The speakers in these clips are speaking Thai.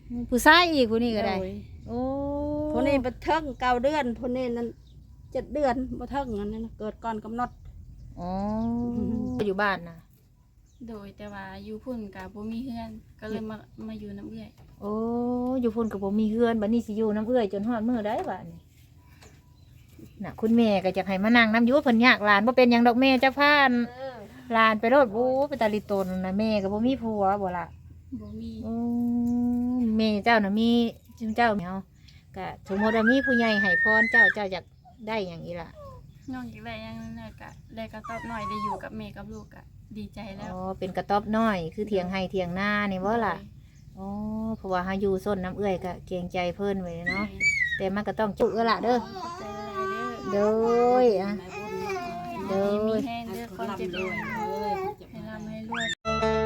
ผู้ชายอีกผู้นี้ก็ได้โอ้ผู้นี้บ่เทิง9 เดือนผู้นี้นั้น7 เดือนบ่เทิงอันนั้นเกิดก่อนกำหนดอ๋ออยู่บ้านน่ะโดยแต่ว่าอยู่พุ่นกับบ่มีเฮือนก็เลยมาอยู่น้ำเอื้อยโอ้อยู่พุ่นก็บ่มีเฮือนบัดนี้สิอยู่น้ำเอื้อยจนฮอดมื้อใดบัดนี้น่ะคุณแม่ก็จะให้มานั่งน้ำอยู่เพิ่นยากหลานบ่เป็นหยังดอกแม่จักพานหลานไปโลดโอ้ไปตาลิตนน่ะแม่ก็บ่มีผัวบ่ล่ะบ่มีแม่เจ้าน่ะมีเจ้าเนาะก็สมมติว่ามีผู้ใหญ่ให้พรเจ้าอยากได้อย่างนี้ล่ะน้องอยากได้อย่างนั้นก็ได้กระต๊อบน้อยได้อยู่กับแม่กับลูกก็ดีใจแล้วอ๋อเป็นกระต๊อบน้อยคือเถียงให้เถียงหน้านี่บ่ล่ะอ๋อเพราะว่าเฮาอยู่ส้นน้ำเอื้อยก็เกรงใจเพิ่นไว้เนาะแต่มันก็ต้องจุล่ะเด้อโดยอ่ะโดยมีแห้งเด้อคนเจ็บด้วยให้ร่ำให้รวย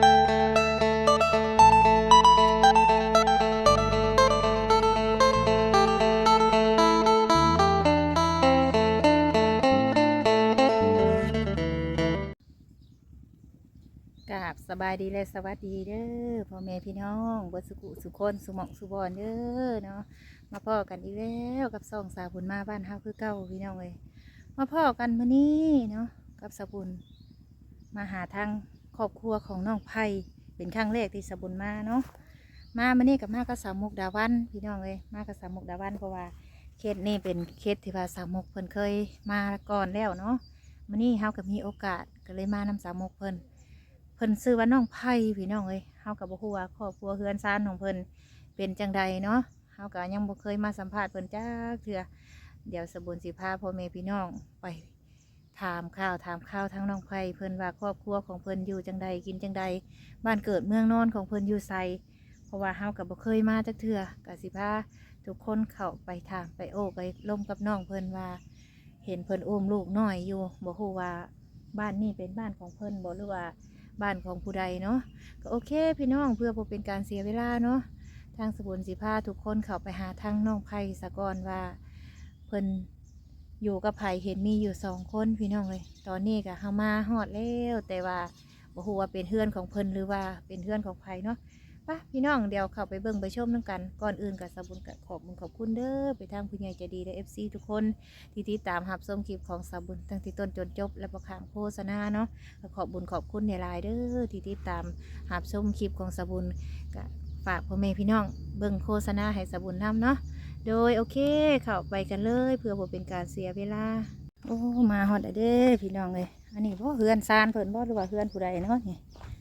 กราบสบายดีและสวัสดีเด้อพ่อแม่พี่น้องบ่สุขุสุคนสุหมองสุบอนเด้อเนาะมาพ่อกันอีกแล้วกับสองสาวบุญมาบ้านเฮาคือเก่าพี่น้องเอ้ยมาพ่อกันมื้อนี้เนาะกับสาวบุญมาหาทางครอบครัวของน้องไผ่เป็นครั้งแรกที่สาวบุญมาเนาะมามื้อนี้กับมากับสาวมุกดาวันพี่น้องเอ้ยมากับสาวมุกดาวันเพราะว่าเคสนี้เป็นเคสที่ว่าสาวมุกเพิ่นเคยมาก่อนแล้วเนาะมื้อนี้เฮาก็มีโอกาสก็เลยมานำสาวมุกเพิ่นซื้อว่าน้องไผ่พี่น้องเอ้ยเฮากับบ่ฮู้ว่าครอบครัวเฮือนซ่านของเพิ่นเป็นจังใดเนาะเฮาก็ยังบ่เคยมาสัมภาษณ์เพิ่นจักเทื่อเดี๋ยวสบุญสิพาพ่อแม่พี่น้องไปถามข่าวทั้งน้องไผ่เพิ่นว่าครอบครัวของเพิ่นอยู่จังใดกินจังใดบ้านเกิดเมืองนอนของเพิ่นอยู่ไสเพราะว่าเฮาก็บ่เคยมาจักเทื่อก็สิพาทุกคนเข้าไปถามไปโอ้ไปล้มกับน้องเพิ่นว่าเห็นเพิ่นอุ้มลูกน้อยอยู่บ่ฮู้ว่าบ้านนี้เป็นบ้านของเพิ่นบ่หรือว่าบ้านของผู้ใดเนาะก็โอเคพี่น้องเพื่อบ่เป็นการเสียเวลาเนาะทางสบุญสิพาทุกคนเข้าไปหาทางน้องไผ่สะก่อนว่าเพิ่นอยู่กับไผ่เห็นมีอยู่2 คนพี่น้องเลยตอนนี้ก็เฮามาฮอดแล้วแต่ว่าบ่ฮู้ว่าเป็นเฮือนของเพิ่นหรือว่าเป็นเฮือนของไผ่เนาะป่ะพี่น้องเดี๋ยวเข้าไปเบิ่งไปชมน้ำกันก่อนอื่นกับสบุญก็ขอบคุณเด้อไปทางผู้ใหญ่ใจดีและ FC ทุกคนที่ติดตามรับชมคลิปของสบุญตั้งแต่ต้นจนจบและบ่ข้ามโฆษณาเนาะขอบคุณในไลน์เด้อที่ติดตามรับชมคลิปของสบุญก็ฝากพ่อแม่พี่น้องเบิ่งโฆษณาให้สบุญนำเนาะโดยโอเคเข้าไปกันเลยเพื่อบ่เป็นการเสียเวลาโอ้มาฮอดเด้อพี่น้องเลยอันนี้บ่เฮือนซานเพิ่นบ่หรือว่าเฮือนผู้ใดเนาะนี่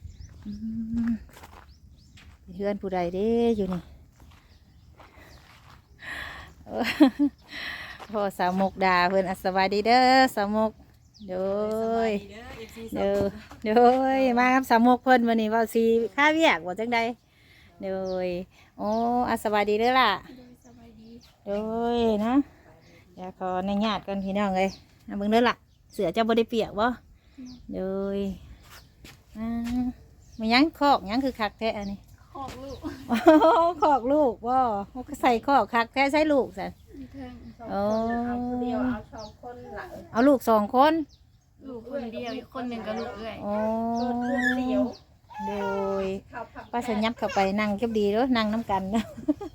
เฮือนผู้ใดเด้อยู่นี่พ่อสาวมกดาเพิ่นสวัสดีเด้อสาวมกโดยมาครับสาวมกเพิ่นวันนี้ว่าสีข้าเวียกว่าจังใดโดยโอ้สวัสดีเด้อล่ะโดยนะอยากขอในญาติกันพี่น้องเลยเบิ่งเด้อล่ะเสือเจ้าบ่ได้เปียกบ่โดยมันยังคอกยังคือคักแท้อันนี้คอกลูกคอกลูกบ่ก็ใส่คอกคักแท้ใส่ลูกสิโอ้เดียวเอา2 คนหลังเอาลูก2 คนลูกคนเดียวอีกคนหนึ่งก็ลูกเอื้อยโอ้โดยป้าสัญญับเข้าไปนั่งเก็บดีด้วยนั่งน้ำกันนะ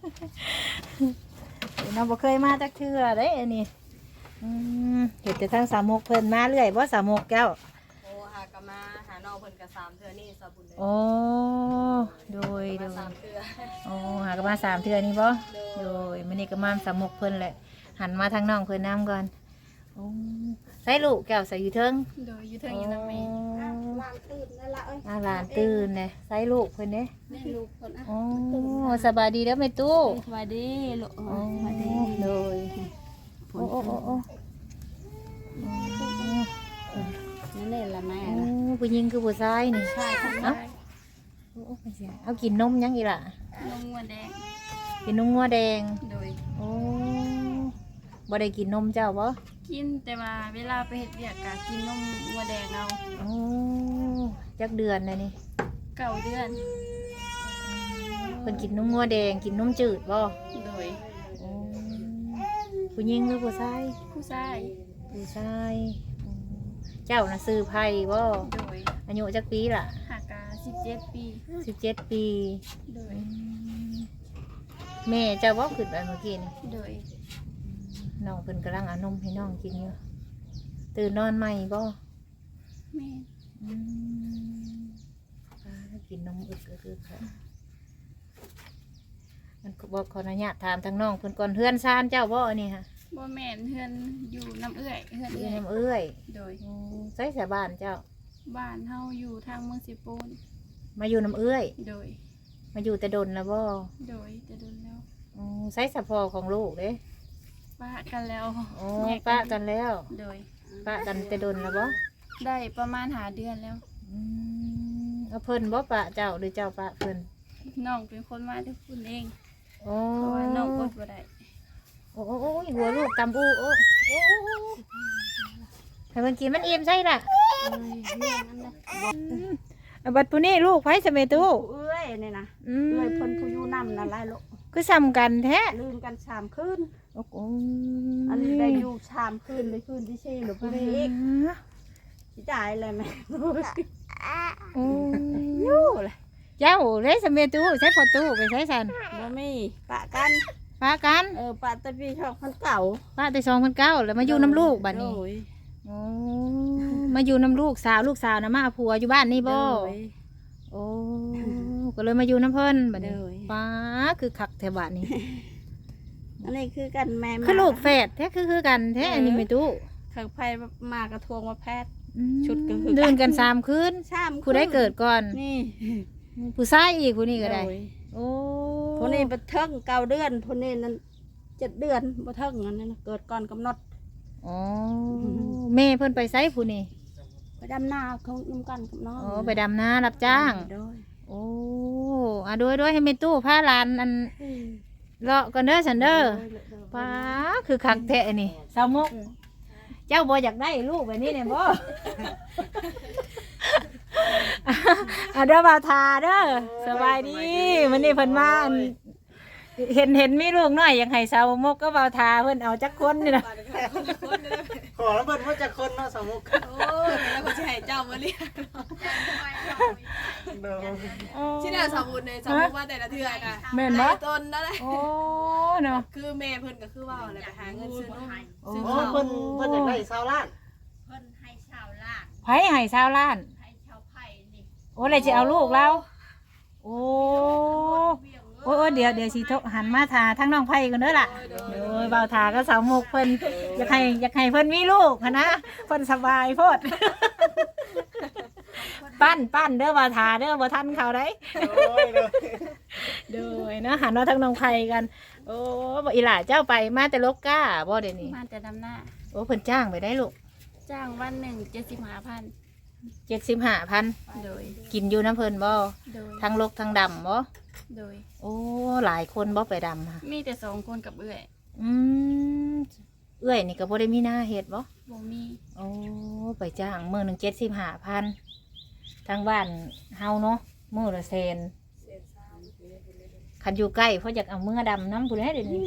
น้องบ่เคยมาจักเทื่อเด้อันนี้เห็นแต่ทั้งสามมุกเพิ่นมาเรื่อยบ่สามมุกแก้วโอ้หากมาหาน้องเพิ่นก็3 เทื่อนี่สบุญเลยโอ้โดย 3 เทื่อโอ้หากมา3 เทื่อนี่บ่โดยมื้อนี้ก็มาสามมุกเพิ่นแหละหันมาทางน้องเพิ่นน้ำก่อนโอ้ใส่ลูกแก้วใส่อยู่เทิงโดยอยู่เทิงอยู่น้ำแม่หลานตื่นนั่นละเอ้ยหลานตื่นเนี่ยใส่ลูกเพิ่นเด้แม่ลูกเพิ่นโอ้สบายดีเด้อแม่ตู้สบายดีลูกสบายดีเลยโอ้นี่ละแม่ผู้หญิงคือผู้ชายนี่ใช่เอ้าเอากินนมยังอีล่ะนมงัวแดงกินนมงัวแดงโดยโอ้บ่ได้กินนมเจ้าบ่กินแต่ว่าเวลาไปเฮ็ดเวียกก็กินนมงัวแดงเอาโอ้จักเดือนเลยนี่ 9 เดือนเพิ่นกินนมงัวแดงกินนมจืดบ่โดยผู้หญิงหรือผู้ชายผู้ชายเจ้าน่ะซื้อไผ่บ่โดยอายุจักปีล่ะหากา17 ปี 17 ปีโดยแม่เจ้าบ่ขึ้นไปเมื่อกี้นี่โดยน้องเพิ่นกำลังเอานมให้น้องกินอยู่ตื่นนอนใหม่บ่แม่อืมกินนมอึกค่ะมันก็บอกขออนุญาตถามทางน้องเพิ่นก่อนเฮือนซานเจ้าบ่อันนี้ค่ะบ่แม่นเฮือนอยู่น้ำเอื้อยเฮือนอยู่เอื้อยน้ำเอื้อยโดยใส่สาบ้านเจ้าบ้านเฮาอยู่ทางเมืองสิปูนมาอยู่น้ำเอื้อยโดยมาอยู่แต่ดนแล้วบ่โดยจะโดนแล้วใส่สะพอของลูกเด้ปะกันแล้วโอ้แยปะกันแล้วโดยปะกันแต่ดนแล้วบ่ได้ประมาณหาเดือนแล้วเอาเพิ่นบ่ปะเจ้าหรือเจ้าปะเพิ่นน้องเป็นคนมาที่คุณเองโอ้เพราะว่าน้องอดบ่ได้โอ้หัวลูกตำอูโอ้ให้มันกินมันอิ่มใช่ล่ะแม่นั่นนะบัดผู้นี้ลูกไผสะเมตุเอ้ยนี่นะเอ้ยเพิ่นผู้อยู่นำนั่นหลายลูกคือซ้ำกันแท้ลืมกัน3คืนโอ้โหอันนี้ได้อยู่3คืนเลยคืนที่4หรือผู้นี้อีกสิจ่ายเลยแม่โอ้ยู่เลยเจ้าเลยสะเมตุใช้พอตู้ไปใช้สันบ่มีปะกันป้ากันปะตะปีช่องคนเก่าป้าแต่2009แล้วมาอยู่น้ำลูกบัดนี้โอ้ยโอ้มาอยู่น้ำลูกสาวนะมาเอาผัวอยู่บ้านนี่บ่โดยโอ้ก็เลยมาอยู่น้ำเพิ่นบัดนี้โดยป้าคือคักแถวบ้านนี้อันนี้คือกันแม่มาคือลูกแฝดแท้คือกันแท้อันนี้ไม่ตู้ข้างไมากระทวงมาแพทย์อืมชุดก็คือกันเดินกัน3คืนชามผู้ได้เกิดก่อนนี่ผู้ชายอีกผู้นี้ก็ได้โยโอ้ผู้นี้บ่เทิง9เดือนผู้นี้นั้น7เดือนบ่เทิงอันนั้นนะเกิดก่อนกำหนดอ๋อแม่เพิ่นไปไสผู้นี้ไปดำนาเขานำกันกับน้องอ๋อไปดำนารับจ้างโดยโอ้ด้วยให้แม่ตู้พาหลานอันเลาะกันเด้อฉันเด้อป้าคือคักแท้นี่สาวมกเจ้าบ่อยากได้ลูกแบบนี้เนี่ยบ่ เด้อบ่าวทาเด้อสบายดีมื้อนี้เพิ่นมาอันเห็นมีลูกน้อยอยากให้สาวมกก็บ่าวทาเพิ่นเอาจักคนนี่นะขอแล้วเบิดว่าจะคนเนาะสมุกโอ้ยแล้วก็จะให้เจ้ามาเรียกเด้อที่ไหนสมุนในสมุนว่าแต่ละเทือกอะแม่นบ่ต้นนั่นแหละโอ้เนาะคือแม่เพิ่นก็คือว่าอะไรไปหาเงินซื้อนมโอ้ซื้อเพิ่ข้าวนเพิ่นอยากได้ชาวล้านไผให้ชาวล้าน โอ้เลยจะเอาลูกเราโอ้โอ้เดี๋ยวสิหันมาทาทั้งน้องไผ่กันเด้อล่ะโอ้ยเบาทาก็สาวหมกเพิ่นอยากให้เพิ่นมีลูกหั้นนะเพิ่นสบายโพด ปั้นเด้อเบาทาเด้อบ่ทันเขาได้โอ้ยเลยเด้อนะหันมาทั้งน้องไผ่กัน โอ้บ่อีหล่าเจ้าไปมาแต่ลกก้าบ่เดี๋ยวนี้มาแต่ดำหน้าโอ้เพิ่นจ้างไปได้ลูกจ้างวันหนึ่ง75,000 75,000 โดยกินอยู่น้ำเพิ่นบ่โดยทั้งลกทั้งดำบ่โดยโอ้หลายคนบ่ไปดำค่ะมีแต่2คนกับเอื้อยอืมเอื้อยนี่ก็บ่ได้มีหน้าเฮ็ดบ่บ่มีโอ้ไปจ้างมื้อหนึง75,000ทางบ้านเฮาเนาะมื้อละแสนคันอยู่ใกล้เพราะอยากเอามือดำน้ำผู้ใดเดี๋ยวนี้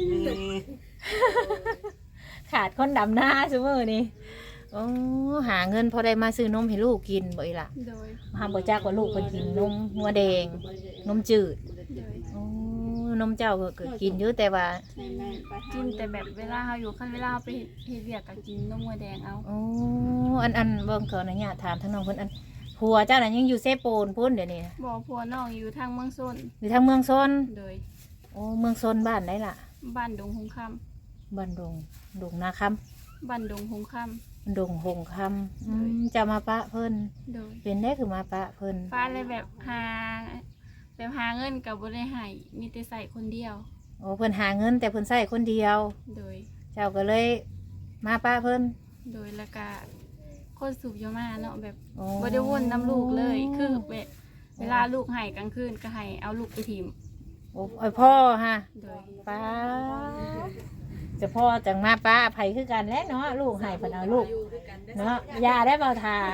ขาดคนดำหน้าซุมื้อนี้โอ้หาเงินพอได้มาซื้อนมให้ลูกกินบ่อีหล่ะโดยห้ามบ่จักว่าลูกเพิ่นกินนมหัวแดงนมจืดโดยโอ้นมเจ้าก็กินอยู่แต่ว่าให้แม่ไปหากินแต่แบบเวลาเฮาอยู่คันเวลาเฮาไปเฮ็ดเวียกก็กินนมวัวแดงเอาโอ้อันเบิ่งขออนุญาตถามทั้งน้องเพิ่นอันผัวเจ้าน่ะยังอยู่เซโปนพุ่นเดี๋ยวนี้นะบ่ผัวน้องอยู่ทางเมืองซนอยู่ทางเมืองซนโดยโอ้เมืองซนบ้านไหนล่ะบ้านดงหงคำบ้านดงนาคบ้านดงหงคำำดงหงคำจะมาปะเพิ่นโดยเป็นได้คือมาปะเพิ่นฟ้าเลยแบบหาเงินกับบ่ได้ให้มีแต่ใส่คนเดียวโอ้เพิ่นหาเงินแต่เพิ่นใช้คนเดียวโดยเจ้าก็เลยมาปะเพิ่นโดยแล้วก็คนสูบยามาเนาะแบบโอ้บ่ได้วนน้ำลูกเลย คือแบบเวลาลูกให้กลางคืนก็ให้เอาลูกไปถิ่มโอ้ยพ่อฮะโดยป้าจะพ่อจังมาป้าไผคือกันแหล้วเนาะลูกให้เพิ่นเอาลูกอยู่ด้วยกันได้เนาะยาได้เบาทา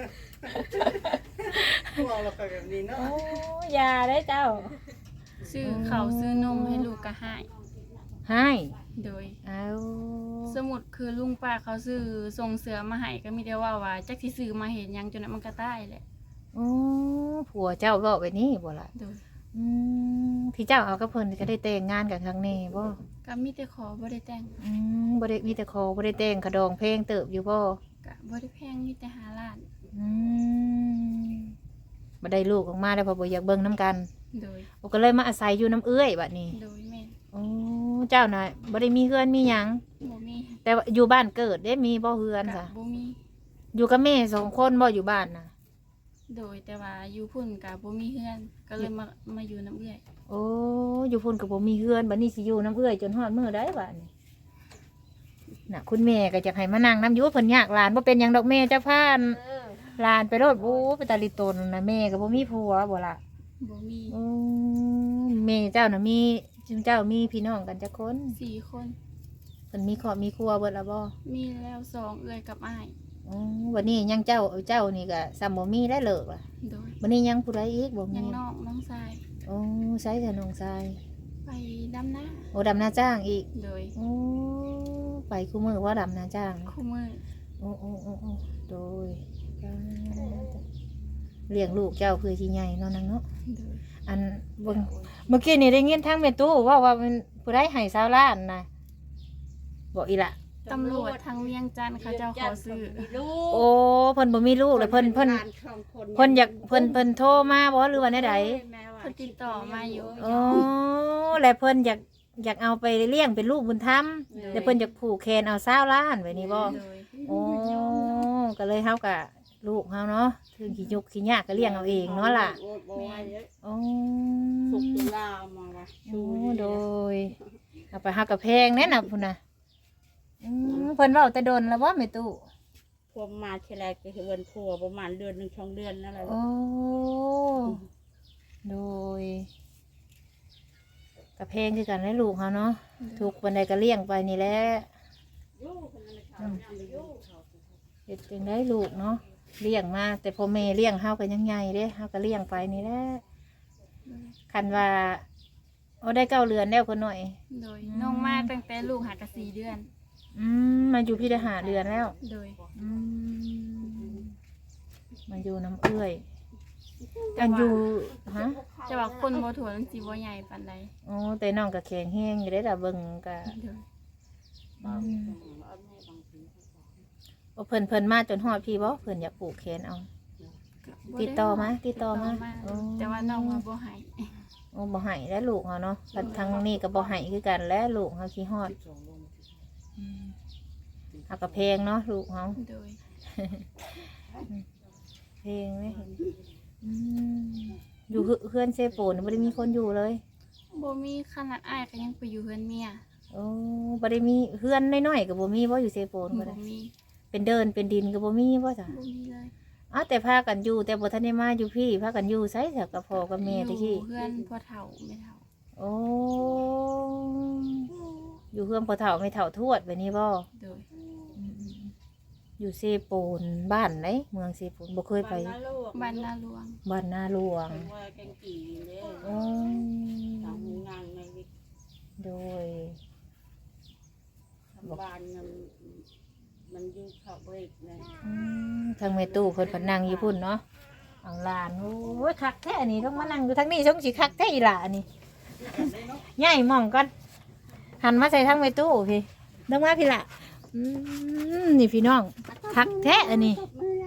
พวกเราก็แบบนี้เนาะโอ้ยาได้เจ้าซื้อข้าวซื้อนมให้ลูกก็ให้ให้โดยเอาสมุดคือลุงป้าเขาซื้อส่งเสือมาให้ก็มีแต่ว่าจักสิซื้อมาเห็นหยังจนนั้นมันก็ตายแหละโอ้ผัวเจ้าบอกไปนี่บ่ล่ะโดยโอืที่เจ้าเอากับเพิ่นก็ได้แต่งงานกันครั้งนี้บ่ก็มีแต่ขอบ่ได้แต่งบ่ได้มีแต่ขอบ่ได้แต่งขะดองเพลงเติบอยู่บ่ก็บ่ได้แพงมีแต่5ล้านอืมบ่ได้ลูกออกมาแล้วเพอบ่อยากเบิ่งนํกันโดยโอ้ก็เลยมาอาศัยอยู่น้ำเอื้อยบัดนี้โดยแม่นโอ้เจ้าน่ะบ่ได้มีเฮือนมีหยังบ่มีแต่ว่าอยู่บ้านเกิดได้มีบ่เฮือนก็ซะบ่มีอยู่กับแม่2คนบ่อยู่บ้านน่ะโดยแต่ว่าอยู่พุ่นก็บ่มีเฮือนก็เลยมาอยู่น้ำเอื้อยโอ้อยู่พุ่นก็บ่มีเฮือนบัดนี้สิอยู่น้ำเอื้อยจนฮอดมื้อใดบัดนี้น่ะคุณแม่ก็จะให้มานั่งน้ำอยู่เพิ่นยากหลานบ่เป็นหยังดอกแม่เจ้าพานหลานไปโลดโอ้ไปตาลิตนน่ะแม่ก็บ่มีผัวบ่ล่ะบ่มีโอ้แม่เจ้าน่ะมีเจ้ามีพี่น้องกันจักคน 4 คนเพิ่นมีครอบมีครัวเบิดแล้วบ่มีแล้ว2เอื้อยกับอ้ายอ๋อวันนี้ยังเจ้านี่ก็ซ้ำบ่มีได้เลิกล่ะโดยวันนี้ยังผู้ใดอีกบ่มียังน้องชายโอ้ใช้แต่น้องชายไปดำนาโอ้ดำนาจ้างอีกโดยโอ้ไปคู่มือว่าดำนาจ้างคู่มือโอ้โดยเลี้ยงลูกเจ้าคือสิใหญ่เนาะนางเนาะโดยอันเบิ่งเมื่อกี้นี่ได้ยินทางแม่ตู้ว่ามันผู้ใดให้20 ล้านนะบอกอีละตำรวจทางเวียงจันทน์เขาเจ้าขอซื้อโอ้เพิ่นบ่มีลูกเลยเพิ่นอยากเพิ่นโทรมาบ่หรือว่าแนวใดเพิ่นติดต่อมาอยู่โอ้แล้วเพิ่นอยากเอาไปเลี้ยงเป็นลูกบุญธรรมแล้วเพิ่นอยากผูกแขนเอา20 ล้านไว้นี่บ่โดยโอ้ก็เลยเฮากับลูกเฮาเนาะถึงขี้ยุกขี้ยากก็เลี้ยงเอาเองเนาะล่ะโอ้สุกตุลามาว่ะโอ้โดยเอาไปเฮากับแพงแน่น่ะพุ่นน่ะเพิ่นเว้าแต่ดนแล้วบ่แม่ตู้พวกมาทีไรก็คือวันพัวประมาณเดือน1 2 เดือนนั่นแหละโอ้โดยกับแพงคือกันและลูกเฮาเนาะทุกวันใดก็เลี้ยงไปนี่แหละเฮ็ดจังได๋ลูกเนาะเลี้ยงมาแต่พ่อแม่เลี้ยงเฮาก็ยังใหญ่เด้เฮาก็เลี้ยงไปนี่แหละคันว่าเอาได้9 เดือนแล้วคนหน่อยโดยน้องมาตั้งแต่ลูกหากะ4 เดือนมาอยู่พี่ได้5 เดือนแล้วโดยมาอยู่น้ำเอื้อยอันอยู่ฮะจะว่าคนบ่ถั่วมันสิบ่ใหญ่ปานใดโอ้แต่น้องก็แข็งแห้งอยู่ได้แต่เบิ่งก็โดยโอ้เพิ่นมาจนฮอดพี่บ่เพิ่นอยากปลูกแขนเอา ติดต่อมาโอ้แต่ว่าน้องว่าบ่ให้โอ้บ่ให้แล้วลูกเฮาเนาะกันทางนี้ก็บ่ให้คือกันแล้วลูกเฮาขี้ฮอดเอาก็แพงเนาะลูกเฮาโดยเพลงไหมอยู่เพื่อนเซโปนไม่ได้มีคนอยู่เลยบ่มีขนาดอ้ายก็ยังไปอยู่เฮือนเมียโอ้ไม่ได้มีเพื่อนน้อยๆกับบ่มีว่าอยู่เซโปนก็บ่ได้มีเป็นเดินเป็นดินกับบ่มีว่าจ้ะบ่มีเลยอ้าวแต่พากันอยู่แต่บ่ทันได้มาอยู่พี่พากันอยู่ไสเถอะกับพ่อกับแม่ตะกี้อยู่เฮือนพ่อเฒ่าแม่เฒ่าโอ้อยู่เพื่อนพ่อเฒ่าไม่เฒ่าทวดแบบนี้บ่โดยอยู่เซโปนบ้านไหนเมืองเซโปนบ่เคยไปบ้านนาหลวงบ้านนาหลวงว่าแกงกี่เลยโอ้ทำงานในวิโดยบ้านมันอยู่เขาเบรกเลยทางแม่ตู้เพิ่นพนั่งอยู่พุ่นเนาะเอาหลานโอ้ยคักแท้อันนี้ต้องมานั่งอยู่ทางนี้ช่องสิคักแท้อีหล่ะอันนี้ใหญ่หม่องก่อนหันมาใส่ทางแม่ตู้พี่ต้องมาพี่ล่ะนี่พี่น้องคักแท้อันนี้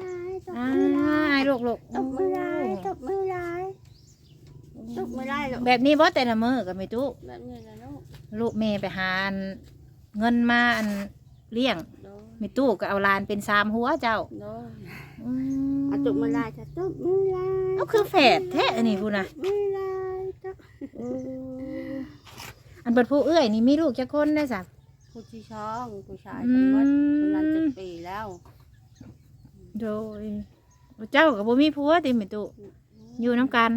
ลูกตบมือลายตบมือลายตบมือลายลูกแบบนี้บ่แต่ละมื้อกับแม่ตู้แบบนี้นะลูกลูกแม่ไปหาเงินมาเลี้ยงโดนแม่ตู้ก็เอาหลานเป็น3หัวเจ้าโดนตบมือลายจะตบมือลายเอาคือแฝดแท้อันนี้พุ่นน่ะมือลายตบอันเปิดผู้เอื้อยนี่มีลูกจักคนได้สักผู้ที่ช่องผู้ชายคนวัดคนนั้น7 ปีแล้วโดยเจ้ากับบ่มีผัวติแม่ตุอยู่น้ำกัน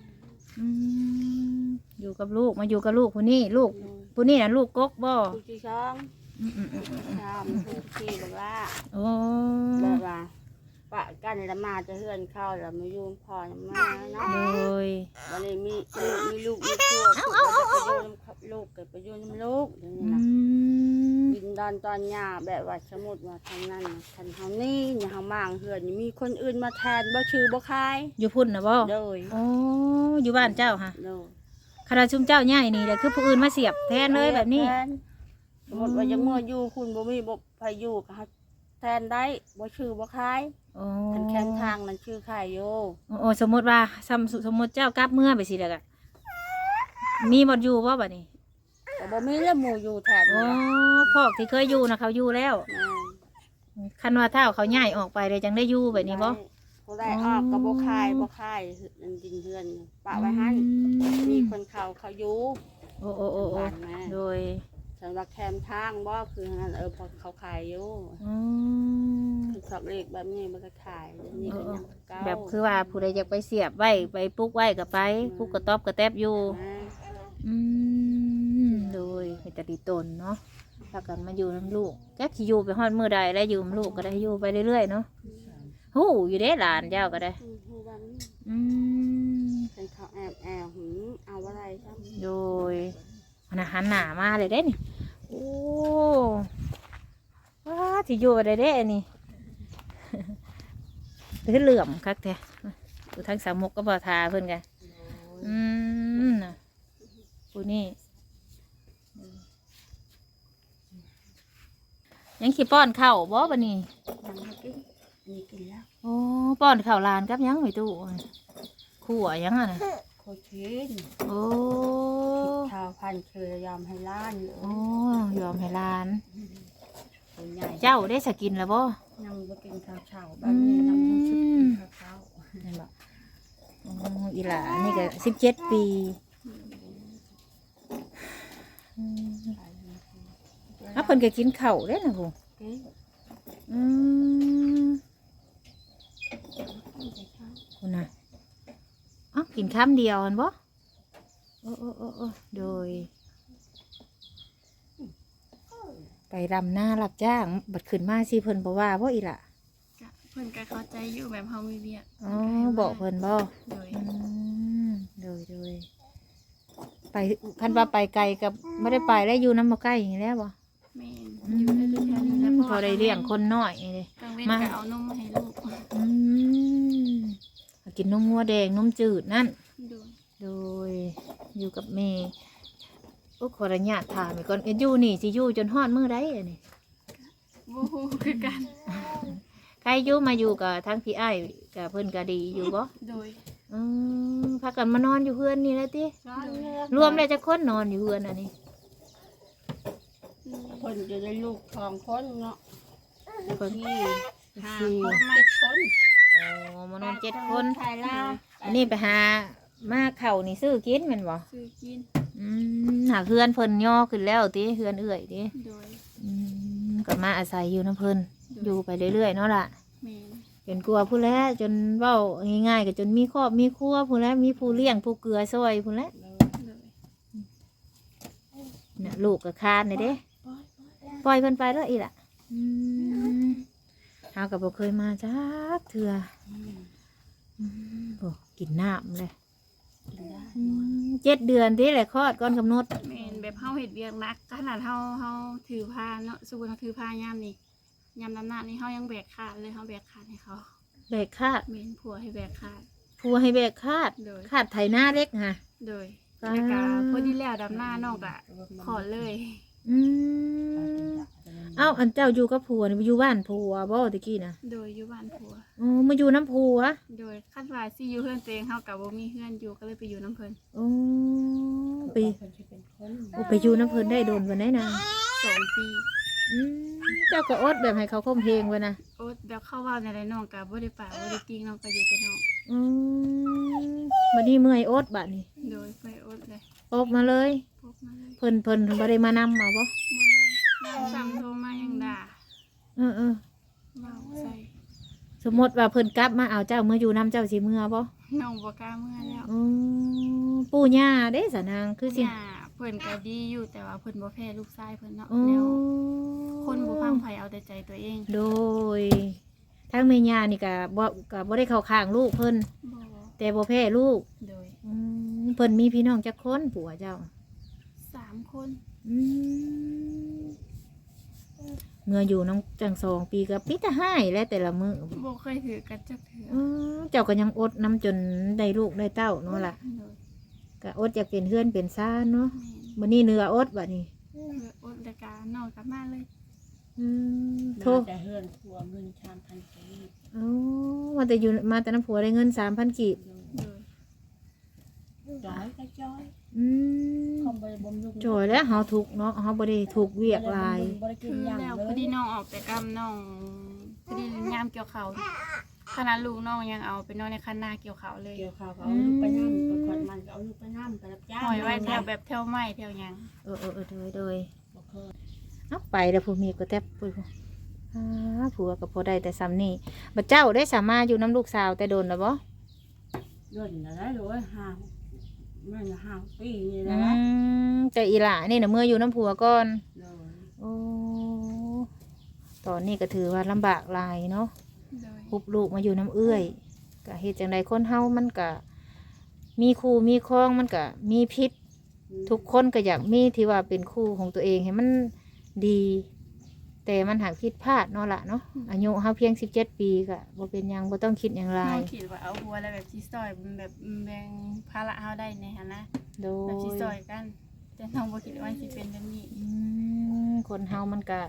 อยู่กับลูกมาอยู่กับลูกผู้นี้ลูกผู้นี้น่ะลูกกกบ่ผู้ที่ช่องชามผู้ที่แบบว่าโอ้แบบว่าปะกันแล้วมาจะเฮือนเข้าแล้วมาอยู่พ่อมาเนาะโดยวันนี้มีลูกมีครัวก็จะไปอยู่น้ำลูกก็ไปอยู่น้ำลูกอย่างนี้นะดินดอนตอนหญ้าแบบว่าสมมุติว่าทางนั้นน่ะคันเฮานี่อย่าเฮามางเฮือนนี่มีคนอื่นมาแทนบ่ชื่อบ่คายอยู่พุ่นนะบ่โดยโอ้อยู่บ้านเจ้าค่ะโดยคณะชุมเจ้าใหญ่นี่แหละคือผู้อื่นมาเสียบแทนเลยแบบนี้ทนสมมุติว่ายังเมื่ออยู่คุณบ่มีบ่ไปอยู่ก็เฮาแทนได้บ่ชื่อบ่คายโอ้คันแข้งทางนั้นชื่อคายอยู่โอ้สมมติว่าสมมติเจ้ากลับเมื่อไปสิแล้วก็มีบ่อยู่บ่บัดนี้ก็บ่มีแล้วหมู่อยู่แทนโอ้นี่ล่ะพอกที่เคยอยู่นะเขาอยู่แล้วแม่นคันว่าเท่าเขาย้ายออกไปเลยจังได้อยู่แบบนี้บ่ผู้ใดออกก็บ่คายบ่คายนั่นดินเฮือนปะไว้หั่นมีคนเขาอยู่โอ้โอ้โอ้โอ้บ้านแม่โดยสำหรับแคมทางบ่คืองั้นพอเขาขายอยู่อืมคือสอบเลขแบบนี้มันก็ขายแบบนี้ก็ยังเก่าแบบคือว่าผู้ใดอยากไปเสียบไว้ไปปลูกไว้ก็ไปปลูกกระต๊อบกระแตบอยู่แม่อืมโดยเป็นตาดีตนเนาะแล้วกันมาอยู่น้ำลูกแกสิอยู่ไปฮอดมื้อใดแล้วอยู่น้ำลูกก็ได้อยู่ไปเรื่อยๆเนาะฮู้อยู่เด้หลานเจ้าก็ได้ฮู้ว่ามันอืมเป็นเขาแอบหืมเอาอะไรจ้ะโดยมันหันหน้ามาเลยเด้นี่โอ้ว้าที่อยู่ได้เด้อันนี่ คือเหลื่อมคักแท้อยู่ทั้งสามมุกก็บ่ทาเพิ่นกันน่ะผู้นี่ยังขี้ป้อนข้าวบ่บัดนี้ยังไม่กินอันนี้กินแล้วโอ้ป้อนข้าวหลานกับยังไม่ตู้ขั่วยังอ่ะนะโคชินโอ้ชาวพันธุ์เคยยอมให้ล้านอยู่โอ้ยอมให้หลานตัวใหญ่เจ้าได้สกินแล้วบ่ยังบ่กินข้าวเช้าแบบนี้ยังบ่ชิกินข้าวเช้านั่นบ่อ๋ออีหลานี่ก็17 ปีอ่ะเพิ่นก็กินข้าวเด้นะผู้กินอืมคุณน่ะอ๋อกินคำเดียวหั่นบ่โอ้โอ้โอ้โอ้โดย ไปรำหน้ารับจ้างบัดขึ้นมาสิเพิ่นบ่ว่าบ่อีหล่ะก็เพิ่นก็เข้าใจอยู่แบบเฮามีเวียกอ๋อบอกเพิ่นบ่โดยอืมโดยไปคันว่าไปไกลกับบ่ได้ไปแล้วอยู่นำบ่ใกล้อย่างนี้แล้วบ่แม่นอยู่ได้แค่นี้แล้วพอได้เลี้ยงคนน้อยนี่กลางเว้นก็เอานมมาให้ลูกอืมกินนมงัวแดงนมจืดนั่นโดยโดยอยู่กับแม่โอ้ขออนุญาตถามอีกก่อนอยู่นี่สิอยู่จนฮอดมื้อใดอันนี้บ่ฮู้คือกันใครอยู่มาอยู่กับทั้งพี่อ้ายกับเพิ่นก็ดีอยู่บ่โดยพากันมานอนอยู่เพื่อนนี่แหล้วติช้อนเลือกรวมแล้วจะคนนอนอยู่เพื่อนอันนี้คนจะได้ลูก2คนเนาะคนที่หา 4 คนมา 7คนโอ้มานอน7 คนไทยลาวอันนี้ไปหามาเข่าวนี่ซื้อกินแม่นบ่ซื้อกินหาเพื่อนเพิ่นย่อขึ้นแล้วติเพื่อนเอื้อยติโดยก็มาอาศัยอยู่น้ำเพิ่นอยู่ไปเรื่อยๆเนาะล่ะแม่นเป็นกลัวผู้แล้วจนเว้าง่ายๆก็จนมีครอบมีครัวผู้แล้วมีผู้เลี้ยงผู้เกลือซอยผู้แล้วโดยน่ะลูกก็คานเลยเด้ปล่อยเพิ่นไปแล้วอีล่ะเฮาก็บ่เคยมาจักเทื่อโอ้กินน้ำเลย7 เดือนที่แหละคลอดก่อนกำหนดแม่นแบบเฮาเฮ็ดเวียกหนักขนาดเฮาถือผ้าเนาะสมมุติเฮาถือผ้ายามนี่ยามน้ำหนักนี่เฮายังแบกขาดเลยเฮาแบกขาดให้เขาแบกคาดแม่นผัวให้แบกขาดผัวให้แบกคาดโดยคาดไถนาเล็กฮะโดยอ่าแล้วก็พอดีแล้วดำหน้าน้องก็ขอเลยอืมเอ้าอันเจ้าอยู่กับผัวนี่อยู่บ้านผัวบ่ตะกี้นะโดยอยู่บ้านผัวอ๋อมาอยู่น้ำผัวโดยคาดว่าสิอยู่เพื่อนตัวเองเฮากับบ่มีเพื่อนอยู่ก็เลยไปอยู่น้ำเพิ่นโอ้ไปโอ้ไปอยู่น้ำเพิ่นได้โดนวันไหนนะ 2 ปีอืมเจ้าก็อดแบบให้เขาคมเพลงไว้นะโอ๊ตแบบเข้าเว้าในไรน้องก็บ่ได้ปากบ่ได้ติงน้องก็อยู่แต่น้องอืมวันนี้เมื่อยอดบัดนี้โดยไปโอ๊ตเลยออกมาเลยพบมาเลยเพิ่นบ่ได้มานำมาบ่บ่นำสั่งโทรมายังด่าเออเว้าใส่สมมติว่าเพิ่นกลับมาเอาเจ้าเมื่ออยู่น้ำเจ้าสิเมื่อบ่น้องบ่กล้าเมื่อแล้วอืมปู่ย่าเด้สะนางคือสิย่าเพิ่นก็ดีอยู่แต่ว่าเพิ่นบ่แพ้ลูกชายเพิ่นเนาะอ๋อแล้วคนบ่ฟังไผเอาแต่ใจตัวเองโดยทั้งแม่ย่านี่ก็บ่ได้เข้าข้างลูกเพิ่นบ่แต่บ่แพ้ลูกโดยเพิ่นมีพี่น้องจักคนผัวเจ้า 3 คนอืมเมื่ออยู่น้องจัง2 ปีก็ปิแต่ให้และแต่ละมื้อบ่เคยถือกันจักเถื่อเจ้าก็ยังอดน้ำจนได้ลูกได้เต้าเนาะล่ะโดยก็อดอยากเป็นเฮือนเป็นซ่านเนาะแม่นบัดนี้เนื้ออดบัดนี้เพื่ออดรายการนอนกลับมาเลยโทรแต่เฮือนครัวเงิน3,000กีบมาแต่อยู่มาแต่น้ำผัวได้เงิน3,000 กีบโดยจ้อยก็จ้อยอืมคอมบ่ได้บำรุงโจยแล้วเฮาทุกข์เนาะเฮาบ่ได้ถูกเวียกหลายบ่ได้กิคืนอหยังแล้วเลพอย ดีน้องออกแต่กำน้องพอดียามเกี่ยวเขาวขนาดลูกน้องยังเอาไปนอนในคันนาเกี่ยวเขาวเลยเกี่ยวข้าวก็เอาลูกไปนำไปขวัญมันก็เอาลูกไปนำไปรับจ้างหอยไว้แถวแบบแถวไม้แถวหยังโดยบ่เคยเอาไปแล้วผู้มีก็แทบผู้ผัวก็พอได้แต่ซ้ำนี่บัดเจ้าได้สามารถอยู่น้ำลูกสาวแต่โดนแล้วบ่เดือนละได้เลยมัน5 ปีนี่อืนะแต่อีหล่านี่น่ะเมื่ออยู่น้ำผัวก่อนเลยโอ้ตอนนี้ก็ถือว่าลำบากหลายเนาะโดยฮุบลูกมาอยู่น้ำเอื้อยก็เฮ็ดจังใดคนเฮามันก็มีคู่มีครองมันก็มีพิษ ทุกคนก็อยากมีที่ว่าเป็นคู่ของตัวเองให้มันดี แต่มันหักผิดพลาดเนาะล่ะเนาะอายุเฮาเพียง17 ปีก็บ่เป็นหยังบ่ต้องคิดหยังหลาน้อย งคิดว่าเอาหัวแล้วแบบสิซอยแบบแบ่งภาระเฮาได้ในหั่นนะโดแบบสิซยอยกัน แต่น้องบ่คิดว่าสิเป็นแบบนี้คนเฮามันก็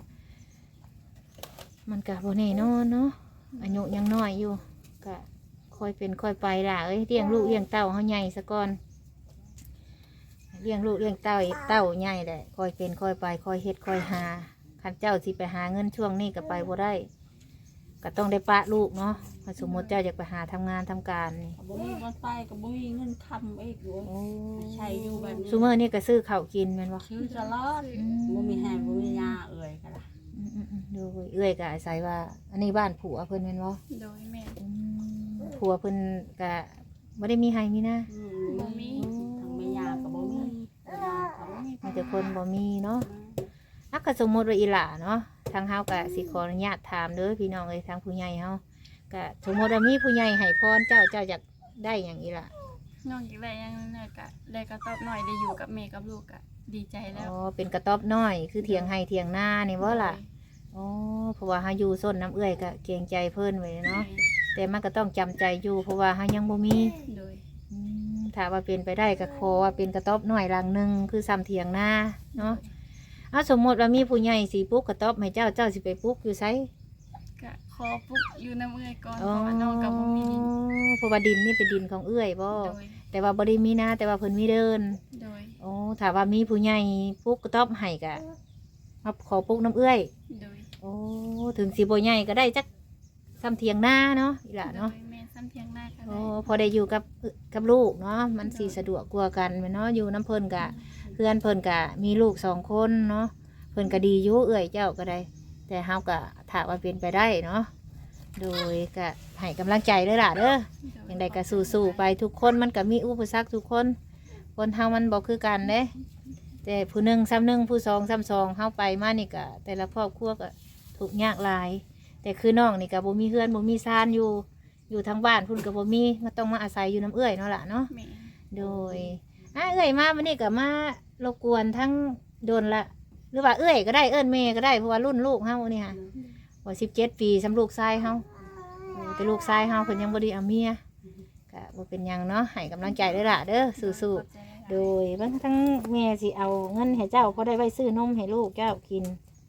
บ่แน่นอนเนาะอายุยังน้อยอยู่ก็ค่อยเป็นค่อยไปล่ะเอ้ยเลี้ยงลูกเลี้ยงเต้าเฮาใหญ่ซะก่อนเลี้ยงลูกเลี้ยงเต้าใหญ่แหละค่อยเป็นค่อยไปค่อยเฮ็ดค่อยหาคันเจ้าสิไปหาเงินช่วงนี้ก็ไปบ่ได้ก็ต้องได้ปะลูกเนาะถ้าสมมติเจ้าอยากไปหาทำงานทำการนี่บ่มีเงินไปก็บ่มีเงินคำอีกอยู่ใช้อยู่แบบนี้ซูเมอร์นี่ก็ซื้อข้าวกินแม่นบ่ชื่อตลอดบ่มีแห้งบ่มียาเอ่ยก็ล่ะดูเอื้อยก็อาศัยว่า อันนี้บ้านผัวเพิ่นแม่นบ่โดยแม่ผัวเพิ่นก็บ่ได้มีให้มีนะบ่มีทางแม่ยาก็บ่มียาเขาบ่มีมีแต่คนบ่มีเนาะถ้าก็สมมุติว่าอีหล่าเนาะทางเฮาก็สิขออนุญาตถามเด้อพี่น้องเอ้ยทางผู้ใหญ่เฮาก็สมมุติว่ามีผู้ใหญ่ให้พรเจ้าอยากได้หยังอีหล่ะน้องอยากได้หยังน้อยก็ได้กระต๊อบน้อยได้อยู่กับแม่กับลูกก็ดีใจแล้วอ๋อเป็นกระต๊อบน้อยคือเถียงให้เถียงหน้านี่บ่ล่ะอ๋อเพราะว่าเฮาอยู่ส้นน้ำเอื้อยก็เกรงใจเพิ่นไว้เนาะแต่มันก็ต้องจำใจอยู่เพราะว่าเฮายังบ่มีโดยถ้าว่าเป็นไปได้ก็ขอว่าเป็นกระต๊อบน้อยหลังหนึงคือซ้ำเถียงหน้าเนาะเอาสมมติว่ามีผู้ใหญ่สิปลูกกระต๊อบให้เจ้าสิไปปลูกอยู่ไสก็ขอปุ๊บอยู่น้ำเอื้อยก่อนเพราะว่าน้องกับบ่มีดินเพราะว่าดินนี่เป็นดินของเอื้อยบ่โดยแต่ว่าบ่ได้มีนาแต่ว่าเพิ่นมีเดินโดยโอ้ถ้าว่ามีผู้ใหญ่ปลูกกระต๊อบให้ก็มาขอปลูกน้ำเอื้อยโดยโอ้ถึงสิบ่ใหญ่ก็ได้จักซ้ำเถียงหน้าเนาะอีหล่ะเนาะโดยแม่ซ้ำเทียงหน้ากันโอ้ได้พอได้อยู่กับลูกเนาะมันสิสะดวกกว่ากันแม่นเนาะอยู่น้ำเพิ่นกะเพื่อนเพิ่นกะมีลูก2 คนเนาะเพิ่นก็ดีอยู่เอื้อยเจ้าก็ได้ แต่เฮาก็ถ้าว่าเป็นไปได้เนาะโดยก็ให้กำลังใจเด้อล่ะเด้ออย่างใดก็สู้ๆไปทุกคนมันก็มีอุปสรรคทุกคนคนเฮามันบ่คือกันเด้แต่ผู้หนึ่งซ้ำหนึ่งผู้สองซ้ำสองเฮาไปมานี่ก็แต่ละครอบครัวก็ทุกข์ยากหลาย แต่คือน้องนี่ก็บ่มีเฮือนบ่มีซานอยู่ทางบ้านพุ่นก็บ่มีมาต้องมาอาศัยอยู่น้ำเอื้อยเนาะล่ะเนาะแม่โดยเอื้อยมาวันนี้ก็มารบกวนทั้งโดนละหรือว่าเอื้อยก็ได้เอิ้นแม่ก็ได้เพราะว่ารุ่นลูกเฮานี่ค่ะว่า17 ปีสำลูกชายเฮาโอ้แต่ลูกชายเฮาเพิ่นยังบ่ได้เอาเมียก็บ่เป็นหยังเนาะให้กำลังใจเด้อล่ะเด้อสู้ๆโดยบางทั้งแม่สิเอาเงินให้เจ้าพอได้ไว้ซื้อนมให้ลูกเจ้ากิน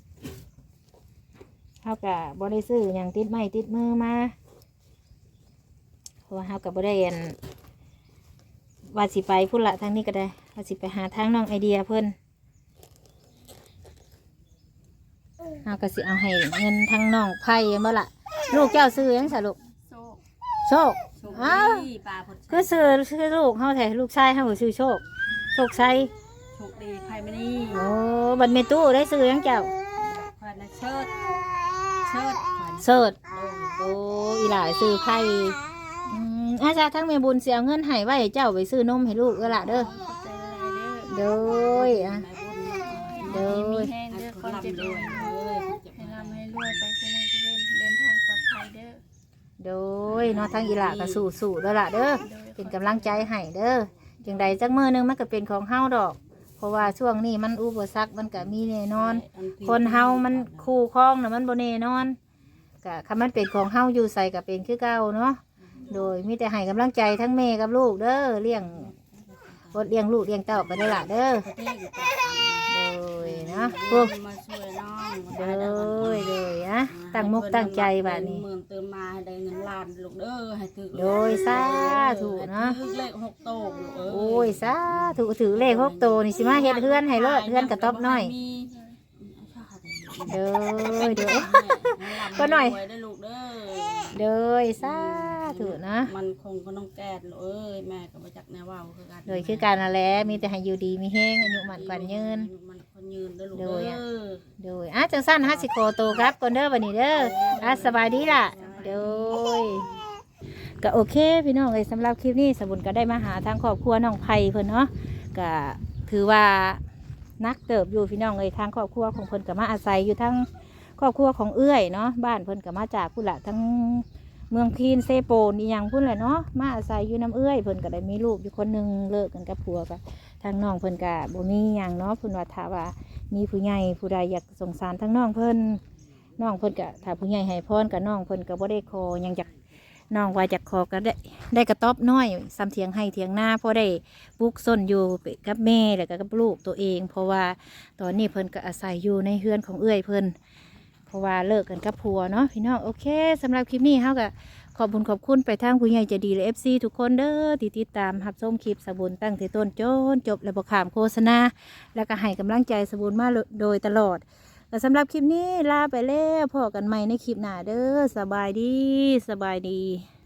เฮาก็บ่ได้ซื้อหยังติดไม้ติดมือมาเพราะว่าเฮาก็บ่ได้อันว่าสิไปพุ่นละทางนี้ก็ได้ว่าสิไปหาทางน้องไอเดียเพิ่นเอาก็สิเอาให้เงินทางน้องไผ่บ่ล่ะลูกเจ้าซื้อหยังซะลูกโซโชคโชคอ้าวดีป้าพดคือซื้อลูกเฮาแท้ลูกชายเฮาก็ซื้อโชคโชคชัยโชคดีไผมานี่โอ้บัดแม่ตู้ได้ซื้อหยังเจ้าขวัญน่ะเชิดขวัญเสิร์ชโอ้อีหลายซื้อไผ่อาจารย์ทั้งแม่บุญสิเอาเงินให้ไว้ให้เจ้าไปซื้อนมให้ลูกเด้อล่ะเด้อขอบใจหลายๆเด้อโดยอ่ะ โดยมีแห้งเด้อคนเจ็บเลเลย ยให้ร่ำให้รวยไปคุมือคุเล่นเดินทางปลอดภัยเด้อโดยเนาะทั้งอีหลาก็สู้ๆเด้อล่ะเด้อโดยเป็นกำลังใจให้เด้อจังใดจักมื้อหนึงมันก็เป็นของเฮาดอก พเพราะว่าช่วงนี้มันอุปสรรคมันก็มีแน่นอน คนเฮามันคู่ครองน่ะมันบ่แน่นอนก็คันมันเป็นของเฮาอยู่ใส่ก็เป็นคือเก่าเนาะโดยมีแต่ให้กำลังใจทั้งแม่กับลูกเด้อเลี้ยงอดเลี้ยงลูกเลี้ยงเต้าไปได้อละเด้อโดยนะพวกมาช่วยน้องโดยนะตั้งมุกตั้งใจบัดนี้หมื่นเติมมาให้ได้เงินล้านลูกเด้อให้ถึกโดยสาธุเนาะถึกเลข6โตลูกเอ้ยโอ้ยสาธุถือเลข6โตวนี่สิมาเฮ็ดเฮือนให้รอดเฮือนกระต๊อบน้อยเด้อเด้อ ก็หน่อยได้ลูกเด้อโดยสาธุนะมันคงก็ต้องแก้ลูกเอ้ยแม่ก็บ่จักแนวเว้าคือกันโดยคือการนั่นแหละมีแต่ให้อยู่ดีมีแห้งอายุมันกว่ายืนมันคนยืนเด้อลูกโดเด้ยอะอโดยจังสั้นสิโคโตครับก่อนเด้อวันนี้เด้อสบายดีล่ะโดยก็โอเคพี่น้องเอ้ยสำหรับคลิปนี้สบุญก็ได้มาหาทางครอบครัวน้องไผ่เพิ่นเนาะก็ถือว่านักเติบอยู่พี่น้องเอ้ยทางครอบครัวของเพิ่นก็มาอาศัยอยู่ทั้งครอบครัวของเอื้อยเนาะบ้านเพิ่นก็มาจากพุ่นละทั้งเมืองพีนเซโปนอีหยังพุ่นแหละเนาะมาอาศัยอยู่น้ำเอื้อยเพิ่นก็ได้มีลูกอยู่คนหนึงเลิกกันกับผัวก็ทางน้องเพิ่นก็บ่มีหยังเนาะเพิ่นว่าถ้าว่ามีผู้ใหญ่ผู้ใดอยากสงสารทั้งน้องเพิ่นก็ถ้าผู้ใหญ่ให้พรกับน้องเพิ่นก็บ่ได้ขอหยังจากน้องว่าจากขอก็ได้กระต๊อบน้อยซ้ำเถียงให้เถียงหน้าพอได้ปลูกส้นอยู่กับแม่แล้วก็กับลูกตัวเอง เพราะว่าตอนนี้เพิ่นก็อาศัยอยู่ในเฮือนของเอื้อยเพิ่นเพราะว่าเลิกกันกับผัวเนาะพี่น้องโอเคสำหรับคลิปนี้เฮาก็ขอบคุณไปทางผู้ใหญ่ใจดีและ FC ทุกคนเด้อที่ติดตามรับชมคลิปสบุญตั้งแต่ต้นจนจบและบ่ข้ามโฆษณาแล้วก็ให้กำลังใจสบุญมาโดยตลอดและสำหรับคลิปนี้ลาไปแล้วพบกันใหม่ในคลิปหน้าเด้อสบายดี